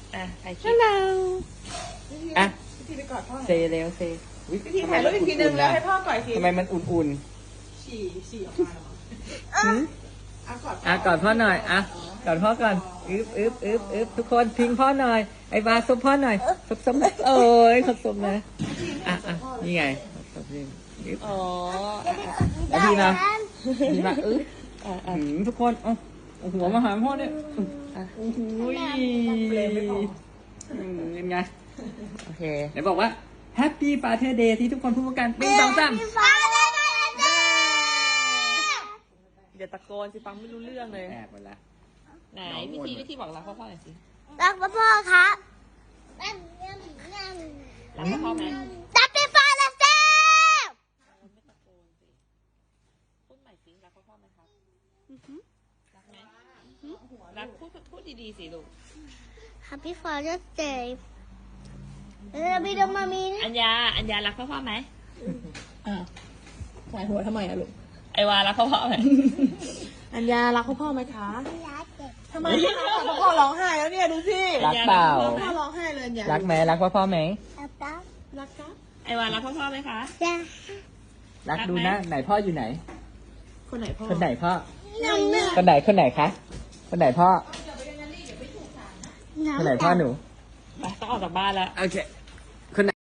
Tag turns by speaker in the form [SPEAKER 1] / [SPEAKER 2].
[SPEAKER 1] ใครคิดอ่ะ
[SPEAKER 2] พี่ทีไปกอดพ่อ
[SPEAKER 1] เซเร็วเซ
[SPEAKER 2] พี่ทีถ่ายรูปอีกทีนึงแล้วให้พ่อกอดอีกที
[SPEAKER 1] ทำไมมันอุ่น
[SPEAKER 2] ฉี่ออกมาแล้ว
[SPEAKER 1] กอดพ่อหน่อยกอดพ่อก่อนทุกคนพิงพ่อหน่อยไอ้บาสมพ่อหน่อยสมโอ้ยขอบสมนะนี่ไงขอบนี่แล้วพี่มาทุกคนเอาหัวมาหาพ่อเนี่ยโอ้โหเป็นไงโอเคไหนบอกว่า Happy Father Day ที่ทุกคนพูดกัน1 2 3เดี๋ยวตะโกนสิฟังไม่รู้เรื่องเลยแอบหมดละไหนวิธีบอกรักพ่อหน่อยสิ
[SPEAKER 3] รักพ่อครับ
[SPEAKER 1] รักพ่อไหม
[SPEAKER 3] รักพ่อละเซ่
[SPEAKER 1] ไม่ตะโกนสิพูดใหม่สิรักพ่อไหมครับรักไหมรักพูดดีๆสิลูก
[SPEAKER 3] Happy Father's Day พี่ดมามีนี่
[SPEAKER 1] อัญญารักพ่อไหม
[SPEAKER 2] สายหัวทำไมอะลูก
[SPEAKER 1] ไอวารักพ่อไหม
[SPEAKER 2] อัญญารักพ่อไหมคะทำไมพ่อร้องไห้แล้วเนี่ยดูสิ
[SPEAKER 1] รักเปล่า
[SPEAKER 2] พ่อร้องไห้เลยอัญญา
[SPEAKER 1] รักไหมรักพ่อไหม
[SPEAKER 2] รักครับ
[SPEAKER 1] ไอวารักพ่อไหมคะ
[SPEAKER 3] จ้า
[SPEAKER 1] รักดูนะไหนพ่ออยู่ไหน
[SPEAKER 2] คนไหนพ่อ
[SPEAKER 1] คนไหนพ่อคนไหนคะคนไหนพ่อคนไหนพ่อหนูไปต้องออกจากบ้านแล้วโอเค